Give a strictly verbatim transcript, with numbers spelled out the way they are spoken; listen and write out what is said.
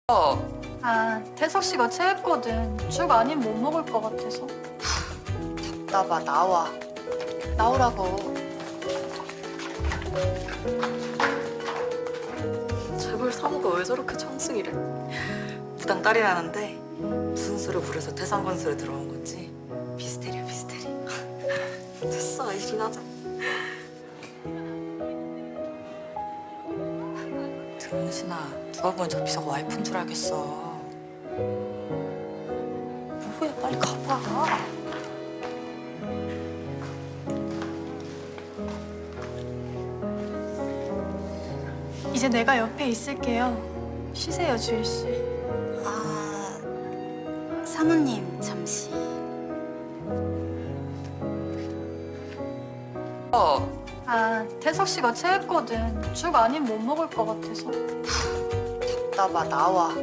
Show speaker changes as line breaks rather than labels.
어,
아, 태석 씨가 체했거든. 죽 아님 못 먹을 것 같아서.
나봐 나와. 나오라고. 재벌 사모가 왜 저렇게 청승이래? 부당 딸이라는데 무슨 수를 부려서 태산건설에 들어온 건지 미스테리야 미스테리. 됐어 이신 하자. 등신아 누가 보면 저 비서가 와이프인 줄 알겠어. 뭐해 빨리 가봐.
이제 내가 옆에 있을게요. 쉬세요, 주일 씨.
아, 사모님 잠시.
어,
아, 태석 씨가 체했거든. 죽 아님 못 먹을 것 같아서.
나봐 나와.